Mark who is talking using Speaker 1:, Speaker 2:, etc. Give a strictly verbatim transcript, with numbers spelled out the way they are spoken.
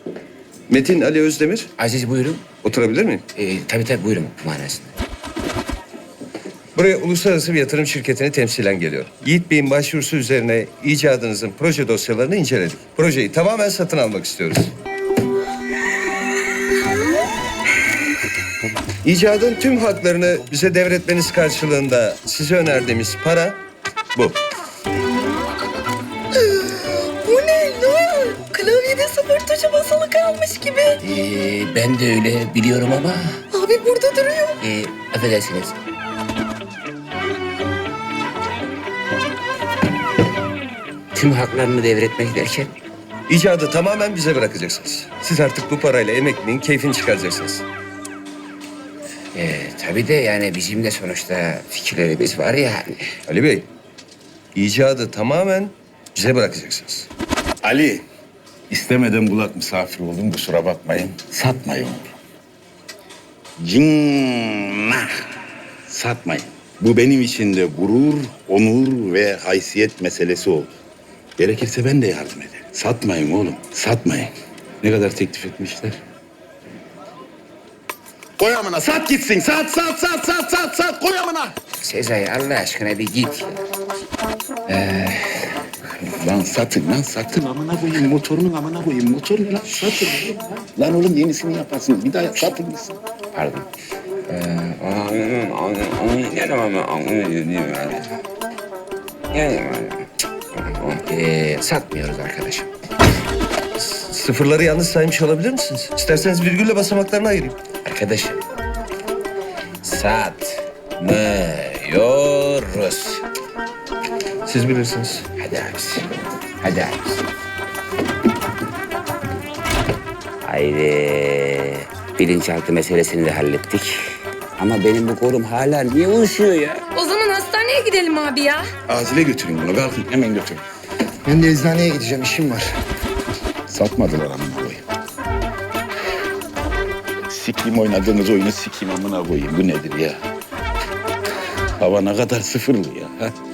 Speaker 1: Metin Ali Özdemir.
Speaker 2: Aziz buyurun.
Speaker 1: Oturabilir miyim?
Speaker 2: Ee, tabii tabii buyurun manasında.
Speaker 1: Buraya uluslararası bir yatırım şirketini temsilen geliyorum. Yiğit Bey'in başvurusu üzerine icadınızın proje dosyalarını inceledik. Projeyi tamamen satın almak istiyoruz. İcadın tüm haklarını bize devretmeniz karşılığında size önerdiğimiz para bu.
Speaker 3: Bu ne lan? Klavyede sıfır tuşu basılı kalmış gibi.
Speaker 2: Ee, ben de öyle biliyorum ama...
Speaker 3: Abi burada duruyor.
Speaker 2: Ee, affedersiniz. Tüm haklarını devretmek derken...
Speaker 1: İcadı tamamen bize bırakacaksınız. Siz artık bu parayla emekliliğin keyfini çıkaracaksınız.
Speaker 2: Ee, tabii de yani bizim de sonuçta fikirlerimiz var yani.
Speaker 1: Ali Bey, icadı tamamen bize bırakacaksınız.
Speaker 4: Ali, istemeden kulak misafir oldum, kusura bakmayın. Satmayın. Cinnah. Satmayın. Bu benim için de gurur, onur ve haysiyet meselesi oldu. Gerekirse ben de yardım ederim. Satmayın oğlum, satmayın. Ne kadar teklif etmişler? Koy amına, sat gitsin. Sat, sat, sat, sat, sat, sat. Koy amına.
Speaker 2: Sezai Allah aşkına bir git.
Speaker 4: Lan satın lan satın amına koyayım motorunun amına koyayım motorunu lan satın. Lan oğlum yenisini yaparsınız bir daha satın gitsin.
Speaker 2: Pardon. Ee, anladım, anladım, anladım ama anladım yani. Yani ee, satmıyoruz arkadaşım.
Speaker 1: Sıfırları yanlış saymış olabilir misiniz? İsterseniz virgülle basamaklarını ayırayım.
Speaker 2: Arkadaşım. Satmıyoruz.
Speaker 1: Siz bilirsiniz.
Speaker 2: Hadi abisi. Hadi abisi. Haydi. Bilinçaltı meselesini de hallettik. Ama benim bu kolum hala niye uyuşuyor ya?
Speaker 3: O zaman hastaneye gidelim abi ya.
Speaker 4: Acile götürün bunu kalkın hemen götürün.
Speaker 5: Ben de eczaneye gideceğim, işim var.
Speaker 4: Satmadılar amına koyayım. Sikeyim oynadığınız oyunu sikeyim amına koyayım bu nedir ya? Hava ne kadar sıfırlı ya. Ha?